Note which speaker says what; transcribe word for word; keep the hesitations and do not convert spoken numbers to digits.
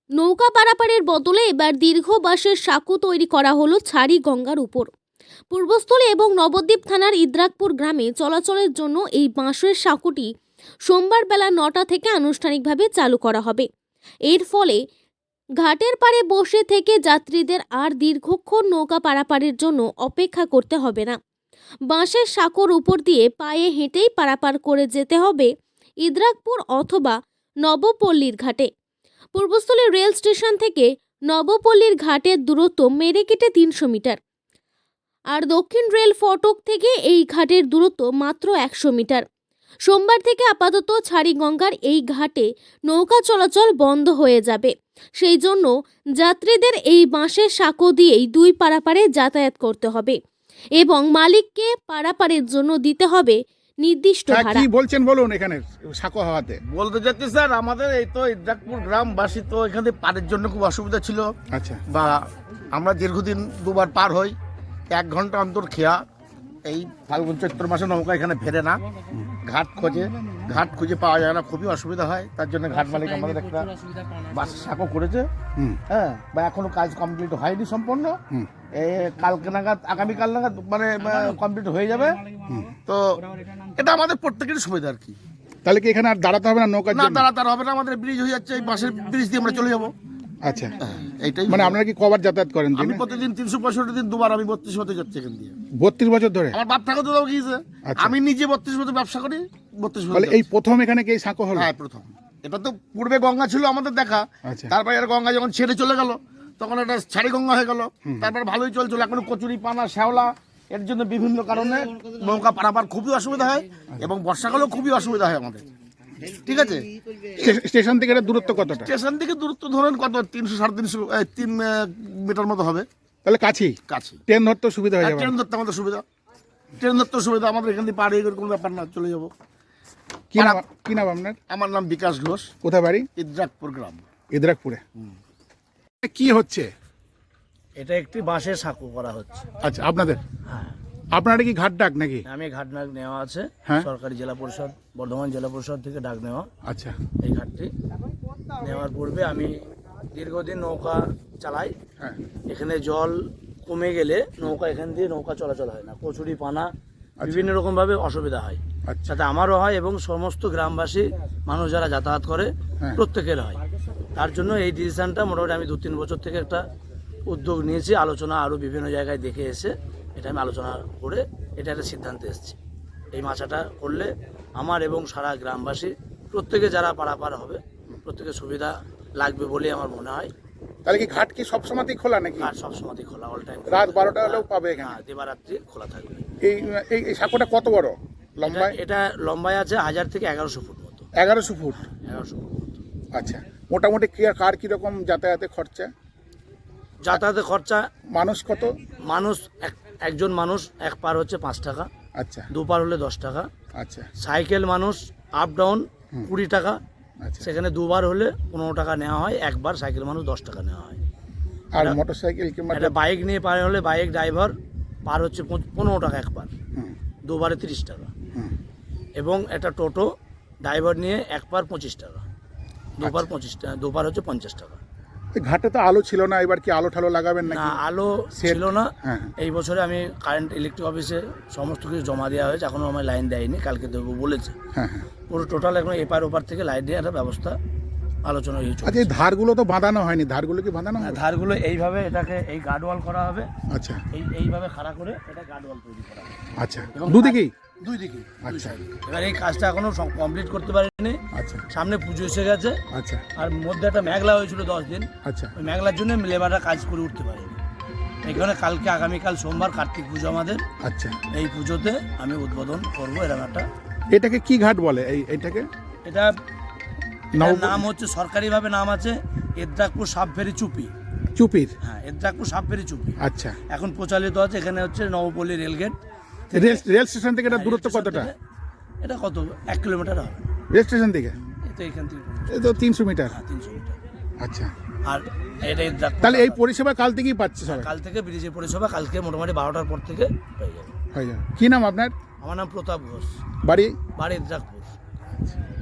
Speaker 1: নৌকা পারাপারের বদলে এবার দীর্ঘ বাঁশের সাঁকো তৈরি করা হলো ছাড়ি গঙ্গার উপর। পূর্বস্থলী এবং নবদ্বীপ থানার ইদ্রাকপুর গ্রামে চলাচলের জন্য এই বাঁশের সাঁকোটি সোমবার বেলা নটা থেকে আনুষ্ঠানিকভাবে চালু করা হবে। এর ফলে ঘাটের পাড়ে বসে থেকে যাত্রীদের আর দীর্ঘক্ষণ নৌকা পারাপারের জন্য অপেক্ষা করতে হবে না। বাঁশের সাঁকোর উপর দিয়ে পায়ে হেঁটেই পারাপার করে যেতে হবে ইদ্রাকপুর অথবা নবপল্লীর ঘাটে। পূর্বস্থলী রেল স্টেশন থেকে নবপল্লীর ঘাটের দূরত্ব মেরে কেটে তিনশো মিটার, আর দক্ষিণ রেল ফটক থেকে এই ঘাটের দূরত্ব মাত্র একশো মিটার। সোমবার থেকে আপাতত ছাড়িগঙ্গার এই ঘাটে নৌকা চলাচল বন্ধ হয়ে যাবে। সেই জন্য যাত্রীদের এই বাঁশের সাঁকো দিয়েই দুই পারাপারে যাতায়াত করতে হবে এবং মালিককে পারাপারের জন্য দিতে হবে নির্দিষ্ট ভাড়া।
Speaker 2: কি বলছেন বলুন, এখানে সাঁকো হওয়াতে
Speaker 3: বলতে চাচ্ছি স্যার, আমাদের এই তো ইদ্রাকপুর গ্রামবাসী তো এখানে পারের জন্য খুব অসুবিধা ছিল।
Speaker 2: আচ্ছা,
Speaker 3: বা আমরা দীর্ঘদিন দুবার পার হই, এক ঘন্টা অন্তর খেয়া। এই ফাল্গুন চৈত্র মাসে নৌকা এখানে ফেরে না, ঘাট খোঁজে, ঘাট খুঁজে পাওয়া যায় না, খুবই অসুবিধা হয়। তার জন্য ঘাট মালিক আমাদের একটা বাস সাঁকো করেছে। হ্যাঁ, বা এখনো কাজ কমপ্লিট হয়নি সম্পূর্ণ। এই কালকে নাগাদ, আগামীকাল নাগাদ মানে কমপ্লিট হয়ে যাবে। তো এটা আমাদের প্রত্যেকেরই সুবিধা আর কি।
Speaker 2: তাহলে কি এখানে আর দাঁড়াতে হবে না? নৌকা
Speaker 3: না দাঁড়াতে হবে না, আমাদের ব্রিজ হয়ে যাচ্ছে, এই বাসের ব্রিজ দিয়ে আমরা চলে যাবো।
Speaker 2: আচ্ছা,
Speaker 3: এইটাই
Speaker 2: মানে আপনারা কি কবার যাতায়াত করেন?
Speaker 3: আমি প্রতিদিন তিনশো পঁয়ষট্টি দিন দুবার আমি বত্রিশ হতে যাচ্ছি এখান দিয়ে।
Speaker 2: বত্রিশ বছর ধরে?
Speaker 3: আমার বাপ ঠাকুর দাও গিয়েছে। আমি নিজে বত্রিশ বছর ব্যবসা করি, বত্রিশ বছর।
Speaker 2: এই প্রথম এখানে কি সাঁকো হলো?
Speaker 3: হ্যাঁ, প্রথম। এটা তো পূর্বে গঙ্গা ছিল আমাদের দেখা। তারপরে আর গঙ্গা যখন ছেড়ে চলে গেল তখন এটা ছাড়ি গঙ্গা হয়ে গেল। তারপর ভালোই চলছিল। এখন কচুরি, পানা, শ্যাওলা, এর জন্য বিভিন্ন কারণে নৌকা পারাপার খুবই অসুবিধা হয় এবং বর্ষাকালেও খুবই অসুবিধা হয় আমাদের। ঠিক আছে,
Speaker 2: স্টেশন থেকে এটা দূরত্ব কতটা?
Speaker 3: স্টেশন থেকে দূরত্ব ধরেন কত, তিনশো সাড়ে তিনশো তিন মিটার মতো হবে।
Speaker 2: তাহলে কাছেই
Speaker 3: কাছে
Speaker 2: ট্রেন ধরতে সুবিধা হয়ে যাবে।
Speaker 3: ট্রেন ধরতে আমাদের সুবিধা, ট্রেন ধরতে সুবিধা আমাদের এখান থেকে পাড়ে কোনো ব্যাপার না, চলে যাবো।
Speaker 2: কি নাম কি নাম আপনার?
Speaker 3: আমার নাম বিকাশ ঘোষ।
Speaker 2: কোথায় বাড়ি?
Speaker 3: ইদ্রাকপুর গ্রাম।
Speaker 2: ইদ্রাকপুরে। কি হচ্ছে?
Speaker 4: এটা একটি বাঁশের সাঁকো করা হচ্ছে।
Speaker 2: আচ্ছা, আপনাদের?
Speaker 4: হ্যাঁ।
Speaker 2: আপনারা কি ঘাট ডাক নাকি?
Speaker 4: আমি ঘাট ডাক নেওয়া আছে,
Speaker 2: হ্যাঁ।
Speaker 4: সরকারি জেলা পরিষদ, বর্ধমান জেলা পরিষদ থেকে ডাক নেওয়া।
Speaker 2: আচ্ছা,
Speaker 4: এই ঘাটটি নেওয়ার পূর্বে আমি দীর্ঘদিন নৌকা চালাই।
Speaker 2: হ্যাঁ।
Speaker 4: এখানে জল কমে গেলে নৌকা এখান দিয়ে নৌকা চলাচল হয় না, কচুরি, পানা, বিভিন্ন রকম ভাবে অসুবিধা হয়।
Speaker 2: আচ্ছা,
Speaker 4: যাতে আমারও হয় এবং সমস্ত গ্রামবাসী মানুষ যারা যাতায়াত করে
Speaker 2: হ্যাঁ।
Speaker 4: প্রত্যেকের হয়। তার জন্য এই ডিসিশনটা মোটামুটি আমি দু তিন বছর থেকে একটা উদ্যোগ নিয়েছি। আলোচনা আরও বিভিন্ন জায়গায় দেখে এসে এটা আমি আলোচনা করে এটা একটা সিদ্ধান্তে এসেছি। এই মাছাটা করলে আমার এবং সারা গ্রামবাসী প্রত্যেকে যারা পারাপার হবে প্রত্যেকের সুবিধা লাগবে বলে আমার মনে হয়।
Speaker 2: তাহলে কি ঘাট কি সবসময়ই খোলা নাকি?
Speaker 4: আর সবসময় খোলা, অল টাইম।
Speaker 2: রাত বারোটা হলেও পাবে এখানে?
Speaker 4: হ্যাঁ, দিবারাত্রি খোলা থাকবে।
Speaker 2: এই এই এই সাঁকোটা কত বড় লম্বায়?
Speaker 4: এটা লম্বায় আছে হাজার থেকে এগারোশো ফুট মতো।
Speaker 2: এগারোশো ফুট?
Speaker 4: এগারোশো ফুট মতো।
Speaker 2: আচ্ছা, মোটামুটি কি কার কিরকম যাতায়াতে খরচা?
Speaker 4: যাতায়াতের খরচা
Speaker 2: মানুষ কত?
Speaker 4: মানুষ এক একজন মানুষ এক পার হচ্ছে পাঁচ টাকা,
Speaker 2: আচ্ছা,
Speaker 4: দু পার হলে দশ টাকা।
Speaker 2: আচ্ছা,
Speaker 4: সাইকেল মানুষ আপ ডাউন কুড়ি টাকা,
Speaker 2: আচ্ছা।
Speaker 4: সেখানে দুবার হলে পনেরো টাকা নেওয়া হয়, একবার সাইকেল মানুষ দশ টাকা নেওয়া হয়।
Speaker 2: আর মোটর সাইকেল কিংবা
Speaker 4: একটা বাইক নিয়ে পার হলে বাইক ড্রাইভার পার হচ্ছে পনেরো টাকা একবার,
Speaker 2: হুম,
Speaker 4: দুবারে তিরিশ টাকা।
Speaker 2: হুম।
Speaker 4: এবং একটা টোটো ড্রাইভার নিয়ে একবার পঁচিশ টাকা, দুবার
Speaker 2: আচ্ছা।
Speaker 4: পঁচিশ টাকা, দুবার হচ্ছে পঞ্চাশ টাকা।
Speaker 2: এই ঘাটে তো আলো ছিল না, এবার কি আলো ঠালো লাগাবেন
Speaker 4: না,
Speaker 2: নাকি?
Speaker 4: আলো
Speaker 2: সেট?
Speaker 4: ছিল না।
Speaker 2: হ্যাঁ।
Speaker 4: এই বছরে আমি কারেন্ট ইলেকট্রিক অফিসে সমস্ত কিছু জমা দেওয়া হয়েছে, এখনও আমার লাইন দেয়নি, কালকে দেবো বলেছে।
Speaker 2: হ্যাঁ, হ্যাঁ।
Speaker 4: পুরো টোটাল এখন এপার ওপার থেকে লাইট দিয়ে একটা ব্যবস্থা আলোচনা হয়েছে।
Speaker 2: আচ্ছা, এই ধারগুলো তো বাঁধানো হয়নি, ধারগুলো কি বাঁধানো হবে?
Speaker 4: ধারগুলো এইভাবে এটাকে এই গার্ডওয়াল করা হবে।
Speaker 2: আচ্ছা,
Speaker 4: এই এইভাবে খাড়া করে এটা গার্ডওয়াল তৈরি করা হবে।
Speaker 2: আচ্ছা, দুদিকেই?
Speaker 4: দুই দিকে।
Speaker 2: আচ্ছা,
Speaker 4: এবার এই কাজটা এখনো কমপ্লিট করতে পারিনি।
Speaker 2: আচ্ছা,
Speaker 4: সামনে পুজো এসে গেছে,
Speaker 2: আচ্ছা,
Speaker 4: আর মধ্যে একটা মেঘলা হয়েছিল দশ দিন।
Speaker 2: আচ্ছা,
Speaker 4: ওই মেঘলার জন্য লেবাররা কাজ করে উঠতে পারেনি। এখানে কালকে আগামীকাল সোমবার কার্তিক পুজো আমাদের।
Speaker 2: আচ্ছা।
Speaker 4: এই পুজোতে আমি উদ্বোধন করবো এরকম একটা।
Speaker 2: এটাকে কি ঘাট বলে? এই এইটাকে
Speaker 4: এটা এটার নাম হচ্ছে, সরকারিভাবে নাম আছে ইদ্রাকপুর সাবফেরি চুপি।
Speaker 2: চুপির?
Speaker 4: হ্যাঁ, ইদ্রাকপুর সাবফেরি চুপি।
Speaker 2: আচ্ছা।
Speaker 4: এখন প্রচলিত আছে। এখানে হচ্ছে Nabapalli rail gate.
Speaker 2: Rail rail station থেকে এটা দূরত্ব কতটা?
Speaker 4: এটা কত, এক কিলোমিটার হবে
Speaker 2: রেল স্টেশন থেকে?
Speaker 4: এই তো এখান থেকে
Speaker 2: এই তো তিনশো মিটার।
Speaker 4: হ্যাঁ, তিনশো মিটার।
Speaker 2: আচ্ছা।
Speaker 4: আর এটা ইদ্রাকপুর।
Speaker 2: তাহলে এই পরিষেবা কাল থেকেই পাচ্ছে সবাই?
Speaker 4: কাল থেকে ব্রিজের পরিষেবা কালকে মোটামুটি বারোটার পর থেকে হয়ে যাবে।
Speaker 2: হয়ে যাবে। কি নাম আপনার?
Speaker 4: আমার নাম প্রতাপ ঘোষ,
Speaker 2: বাড়ি?
Speaker 4: বাড়ি ইদ্রাকপুর।